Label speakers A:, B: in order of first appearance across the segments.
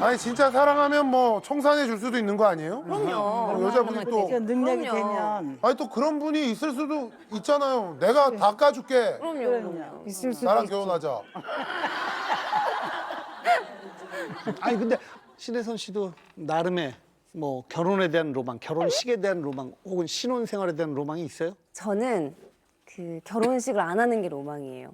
A: 아니 진짜 사랑하면 뭐 청산해 줄 수도 있는 거 아니에요?
B: 그럼요.
A: 여자분이 또
C: 능력이
B: 그럼요.
C: 되면
A: 아니 또 그런 분이 있을 수도 있잖아요. 내가 다 까줄게.
B: 그럼요.
C: 있을 수도
A: 나랑
C: 있지.
A: 결혼하자.
D: 아니 근데 신혜선 씨도 나름의 뭐 결혼에 대한 로망, 결혼식에 대한 로망, 혹은 신혼생활에 대한 로망이 있어요?
B: 저는 그 결혼식을 안 하는 게 로망이에요.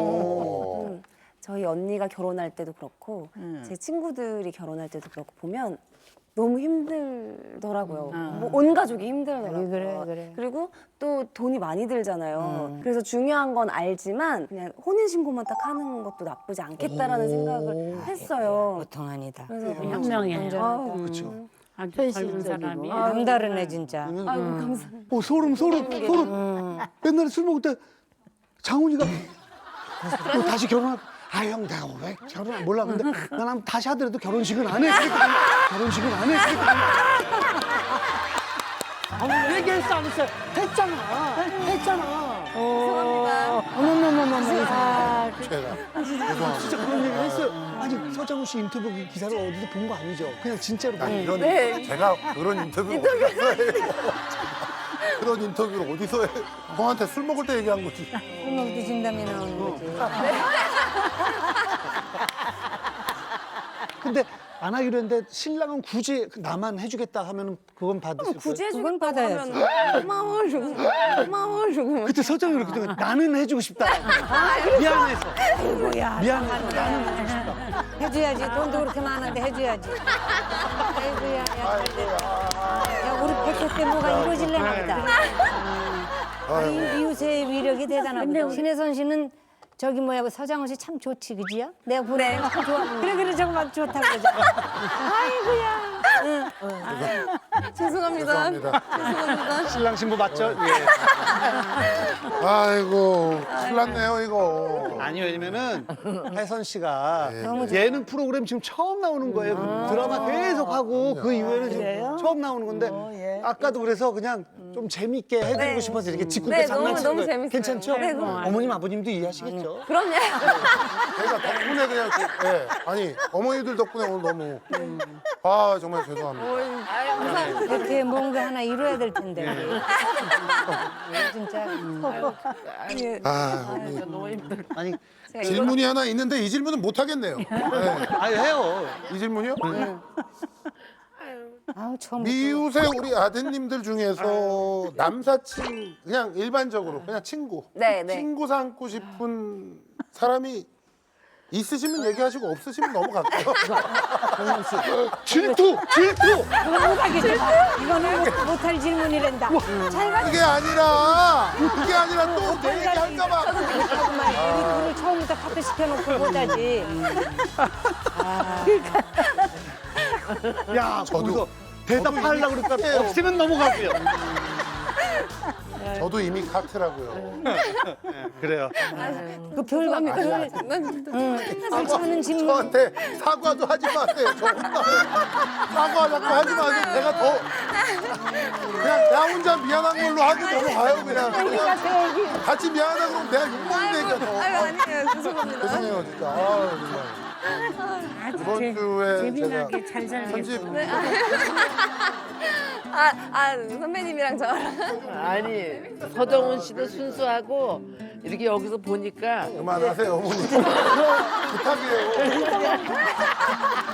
B: 저희 언니가 결혼할 때도 그렇고 제 친구들이 결혼할 때도 그렇고 보면 너무 힘들더라고요. 뭐 온 가족이 힘들더라고요.
C: 그래.
B: 그리고 또 돈이 많이 들잖아요. 그래서 중요한 건 알지만 그냥 혼인신고만 딱 하는 것도 나쁘지 않겠다라는 생각을 했어요.
E: 보통 아니다.
B: 그래서
F: 현명해.
D: 그렇죠.
F: 아주 젊은 사람이.
E: 남다르네 진짜.
B: 아이고 감사합니다.
D: 소름. 옛날에 술 먹을 때 장훈이가 너 다시 결혼할. 아 형 내가 왜 결혼 몰라 근데 난 다시 하더라도 결혼식은 안 해. 결혼식은 안 해. 아무 얘기했어 안 했어? 했잖아.
B: 죄송합니다.
A: 제가.
D: 진짜 그런 얘기 했어요. 아니 서장훈 씨 인터뷰 기사를 어디서 본 거 아니죠? 그냥 진짜로 본
A: 아니,
D: 거예요.
A: 이런 제가 그런 인터뷰를 어디서 해요? 그런 인터뷰를 어디서 해? 형한테 술 먹을 때 얘기한 거지.
E: 술 먹듯 진담이 나오는 거지.
D: 근데 안 하기로 했는데 신랑은 굳이 나만 해주겠다 하면은 그건 받으실 거예요?
B: 굳이
E: 그건
B: 해주겠다고
E: 받아야지.
B: 하면 고마워 주고
D: 그때 서장훈이 그렇게 나는 해주고 싶다. 미안해서. 미안해서 나는 해주고 싶다.
E: 해줘야지. 돈도 그렇게 많은데 해줘야지. 아이고야. 야 우리 백호 때 뭐가 이루어질래나 보다. 이웃의 위력이 대단하거든. 신혜선 씨는 저기 뭐야 서장훈 씨 참 좋지 그지야? 내가 보내 참 좋아. 그래 정말 좋다고 그러잖아. 아이고야.
B: 죄송합니다.
A: 죄송합니다.
D: 신랑 신부 맞죠? 예.
A: 아이고, 큰일 났네요, 이거.
D: 아니 왜냐면은 혜선 씨가
E: 너무
D: 예능 프로그램 지금 처음 나오는 거예요. 드라마 계속 하고 그 이후에는 지금 처음 나오는 건데 아까도 그래서 그냥 좀 재밌게 해드리고
B: 네.
D: 싶어서 이렇게 짓궂게
B: 네,
D: 장난치는
B: 너무
D: 거예요.
B: 재밌어요.
D: 괜찮죠?
B: 네, 그럼.
D: 어머님 아버님도 이해하시겠죠?
B: 그럼요.
A: 제가 덕분에 그냥, 예. 아니, 어머니들 덕분에 오늘 너무. 아, 정말 죄송합니다.
B: 감사합니다.
E: 이렇게 뭔가 하나 이루어야 될 텐데. 진짜.
A: 아, 우리
F: 너무 힘들어.
D: 아니
A: 질문이 하나 있는데 이 질문은 못 하겠네요. 네.
D: 아니 해요.
A: 이 질문이요?
E: 아우 처음.
A: 미웃의 우리 아드님들 중에서 남사친 그냥 일반적으로 그냥 친구
B: 네, 네.
A: 친구 삼고 싶은 사람이 있으시면 얘기하시고 없으시면 넘어갈게요.
D: 질투.
E: 이거는 못하겠다. 이거는 못할 질문이란다.
A: 그게 아니라 또 내 얘기할까봐.
E: 잠깐만, 우리 둘을 처음부터 카트 시켜놓고 못하지.
D: 야 거기서 대답하려고 그러니까
A: 해요.
D: 없으면 넘어가고요.
A: 저도 이미 카트라고요.
D: 그래요.
E: 그 별거 별. 상처하는 질문.
A: 저한테 사과도 하지 마세요. 저 혼나요. 사과 자꾸 하지 마세요. 내가 더 그냥 나 혼자 미안한 걸로 하고 넘어가요 그냥. 같이 미안하다 그러면 내가 욕먹는다니까 더.
B: 아니에요. 죄송합니다.
A: 죄송해요 진짜. 아, 정말. 이번 주에
F: 재미나게
A: 제가
F: 잘 살겠어.
A: 편집
B: 선배님이랑 저랑.
G: 아니 서정훈 씨도 순수하고 이렇게 여기서 보니까
A: 그만하세요 어머니. 부탁이에요.